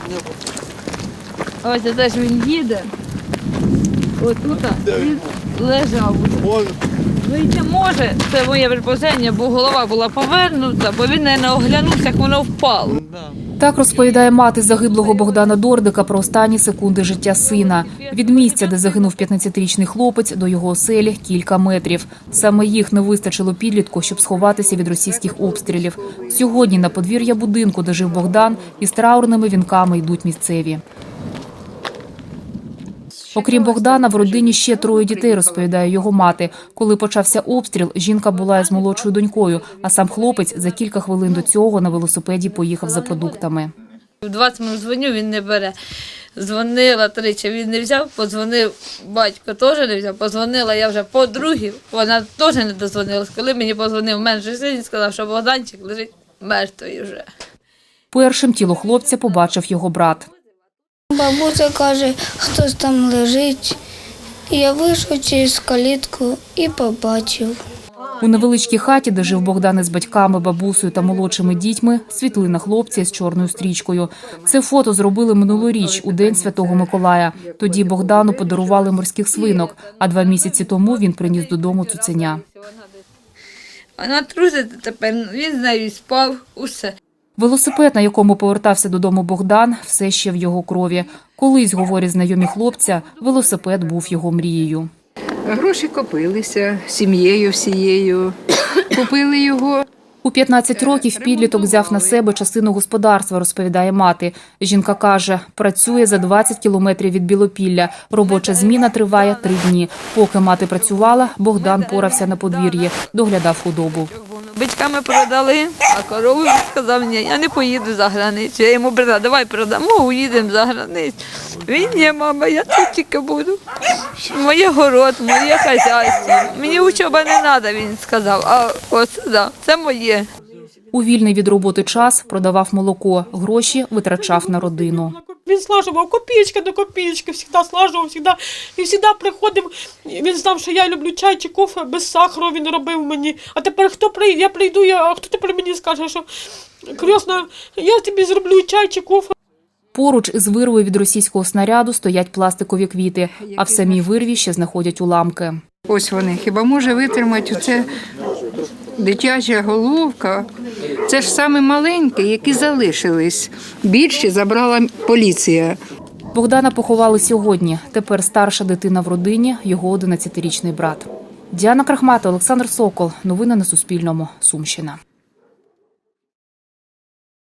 Ось це ж він їде. Отут він лежав. Вийти може, це моє припущення, бо голова була повернута, бо він не оглянувся, як воно впало. Так розповідає мати загиблого Богдана Дордика про останні секунди життя сина. Від місця, де загинув 15-річний хлопець, до його оселі кілька метрів. Саме їх не вистачило підлітку, щоб сховатися від російських обстрілів. Сьогодні на подвір'я будинку, де жив Богдан, із траурними вінками йдуть місцеві. Окрім Богдана, в родині ще 3 дітей, розповідає його мати. Коли почався обстріл, жінка була із молодшою донькою, а сам хлопець за кілька хвилин до цього на велосипеді поїхав за продуктами. В 20 минут дзвоню, він не бере. Дзвонила тричі, він не взяв, подзвонив, батько теж не взяв, подзвонила я вже по-друге, вона теж не дозвонилась. Коли мені подзвонив менший син, сказав, що Богданчик лежить мертвий вже. Першим тіло хлопця побачив його брат. Бабуся каже, хтось там лежить. Я вийшов через калітку і побачив. У невеличкій хаті, де жив Богдан із батьками, бабусею та молодшими дітьми, світлина хлопця з чорною стрічкою. Це фото зробили минулоріч, у День Святого Миколая. Тоді Богдану подарували морських свинок, а 2 місяці тому він приніс додому цуценя. Вона трусить тепер, він з нею спав, усе. Велосипед, на якому повертався додому Богдан, все ще в його крові. Колись, говорять знайомі хлопця, велосипед був його мрією. Гроші копилися сім'єю всією, купили його. У 15 років підліток взяв на себе частину господарства, розповідає мати. Жінка каже, працює за 20 кілометрів від Білопілля. Робоча зміна триває 3 дні. Поки мати працювала, Богдан порався на подвір'ї, доглядав худобу. Бичками продали, а корову він сказав, ні, я не поїду за границю. Я йому брала, давай продамо, уїдемо за границю. Він, ні, мама, я тут тільки буду. Моє город, моє хазяйство. Мені учоба не треба, він сказав, а ось, да, це моє. У вільний від роботи час продавав молоко, гроші витрачав на родину. Він слажував копійки до копійки, завжди слажував, завжди. І завжди приходив, він знав, що я люблю чай чи кофе, без сахару він робив мені. А тепер хто прийде, я прийду, а хто тепер мені скаже, що крісна, я тобі зроблю чай чи кофе. Поруч із вирвою від російського снаряду стоять пластикові квіти, а в самій вирві ще знаходять уламки. Ось вони. Хіба може витримати оце дитяча головка? Це ж саме маленькі, які залишились. Більші забрала поліція. Богдана поховали сьогодні. Тепер старша дитина в родині, його 11-річний брат. Діана Крахматова, Олександр Сокол. Новини на Суспільному. Сумщина.